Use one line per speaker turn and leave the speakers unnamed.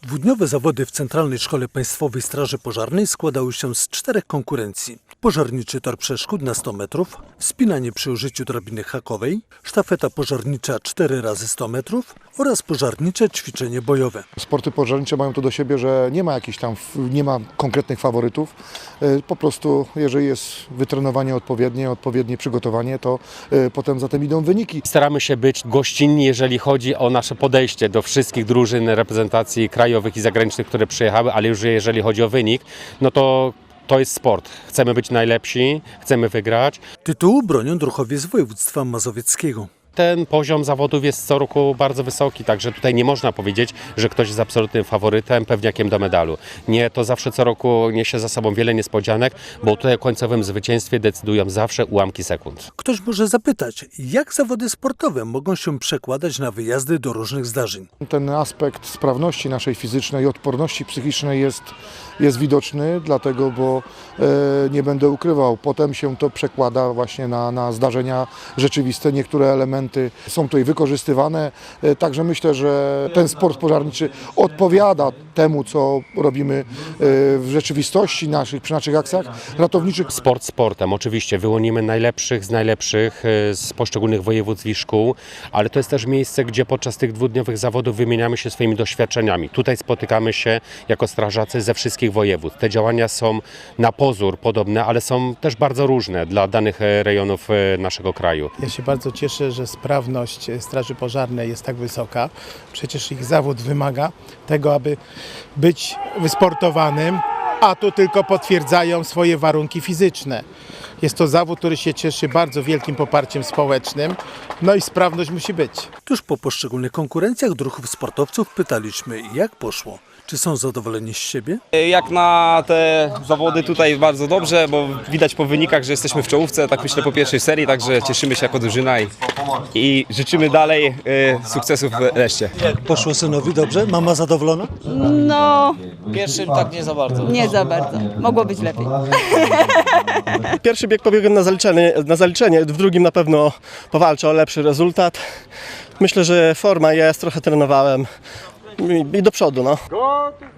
Dwudniowe zawody w Centralnej Szkole Państwowej Straży Pożarnej składały się z 4 konkurencji. Pożarniczy tor przeszkód na 100 metrów, wspinanie przy użyciu drabiny hakowej, sztafeta pożarnicza 4 razy 100 metrów oraz pożarnicze ćwiczenie bojowe.
Sporty pożarnicze mają to do siebie, że nie ma konkretnych faworytów. Po prostu jeżeli jest wytrenowanie odpowiednie przygotowanie, to potem za tym idą wyniki.
Staramy się być gościnni, jeżeli chodzi o nasze podejście do wszystkich drużyn reprezentacji krajowych i zagranicznych, które przyjechały, ale już jeżeli chodzi o wynik, no to jest sport. Chcemy być najlepsi, chcemy wygrać.
Tytułu bronią druhowie z województwa mazowieckiego.
Ten poziom zawodów jest co roku bardzo wysoki, także tutaj nie można powiedzieć, że ktoś jest absolutnym faworytem, pewniakiem do medalu. Nie, to zawsze co roku niesie za sobą wiele niespodzianek, bo tutaj o końcowym zwycięstwie decydują zawsze ułamki sekund.
Ktoś może zapytać, jak zawody sportowe mogą się przekładać na wyjazdy do różnych zdarzeń.
Ten aspekt sprawności naszej fizycznej i odporności psychicznej jest widoczny, dlatego, bo nie będę ukrywał, potem się to przekłada właśnie na zdarzenia rzeczywiste. Niektóre elementy są tutaj wykorzystywane, także myślę, że ten sport pożarniczy odpowiada temu, co robimy w rzeczywistości przy naszych akcjach ratowniczych.
Sport sportem, oczywiście wyłonimy najlepszych z najlepszych z poszczególnych województw i szkół, ale to jest też miejsce, gdzie podczas tych dwudniowych zawodów wymieniamy się swoimi doświadczeniami. Tutaj spotykamy się jako strażacy ze wszystkich województw. Te działania są na pozór podobne, ale są też bardzo różne dla danych rejonów naszego kraju.
Ja się bardzo cieszę, że sprawność Straży Pożarnej jest tak wysoka. Przecież ich zawód wymaga tego, aby być wysportowanym, a tu tylko potwierdzają swoje warunki fizyczne. Jest to zawód, który się cieszy bardzo wielkim poparciem społecznym, no i sprawność musi być.
Tuż po poszczególnych konkurencjach druhów sportowców pytaliśmy, jak poszło. Czy są zadowoleni z siebie?
Jak na te zawody tutaj bardzo dobrze, bo widać po wynikach, że jesteśmy w czołówce, tak myślę po pierwszej serii, także cieszymy się jako drużyna i życzymy dalej sukcesów w reszcie.
Poszło synowi dobrze? Mama zadowolona?
No,
Pierwszym tak nie za bardzo.
nie za bardzo. Mogło być lepiej.
Pierwszy bieg pobiegłem na zaliczenie, w drugim na pewno powalczę o lepszy rezultat. Myślę, że forma jest, trochę trenowałem i do przodu. No.